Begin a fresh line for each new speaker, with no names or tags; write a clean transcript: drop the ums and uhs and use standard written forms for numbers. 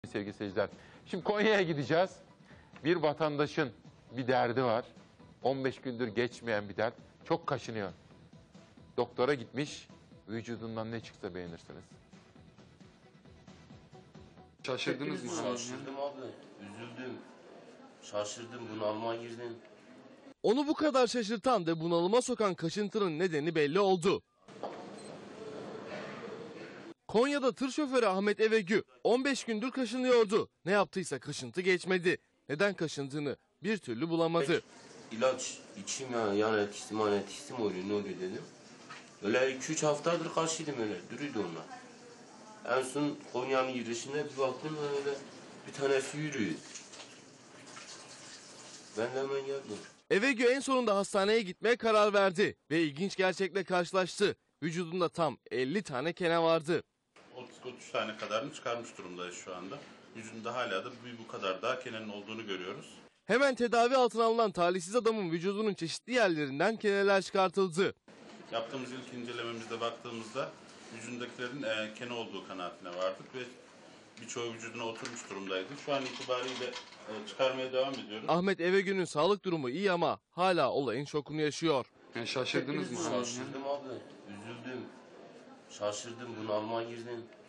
Sevgili seyirciler. Şimdi Konya'ya gideceğiz. Bir vatandaşın bir derdi var. 15 gündür geçmeyen bir dert. Çok kaşınıyor. Doktora gitmiş. Vücudundan ne çıksa beğenirsiniz.
Şaşırdınız mı?
Şaşırdım abi, üzüldüm. Şaşırdım, bunalıma girdim.
Onu bu kadar şaşırtan ve bunalıma sokan kaşıntının nedeni belli oldu. Konya'da tır şoförü Ahmet Evegü 15 gündür kaşınıyordu. Ne yaptıysa kaşıntı geçmedi. Neden kaşındığını bir türlü bulamadı.
İlaç içeyim ya, yan etkisi, man etkisi mi oluyor, ne oluyor dedim. Öyle 2-3 haftadır karşıydım öyle, duruydu onlar. En son Konya'nın girişinde bir baktım öyle bir tanesi yürüyor. Ben de hemen geldim.
Evegü en sonunda hastaneye gitmeye karar verdi ve ilginç gerçekle karşılaştı. Vücudunda tam 50 tane kene vardı.
30 tane kadarını çıkarmış durumdayız şu anda. Yüzünde hala da bu kadar daha kenenin olduğunu görüyoruz.
Hemen tedavi altına alınan talihsiz adamın vücudunun çeşitli yerlerinden keneler çıkartıldı.
Yaptığımız ilk incelememizde baktığımızda yüzündekilerin kene olduğu kanaatine vardık ve birçoğu vücuduna oturmuş durumdaydı. Şu an itibariyle çıkarmaya devam ediyoruz.
Ahmet Evegü'nün sağlık durumu iyi ama hala olayın şokunu yaşıyor.
Yani şaşırdınız mı?
Şaşırdım abi, üzüldüm. Şaşırdım, bunalıma girdim.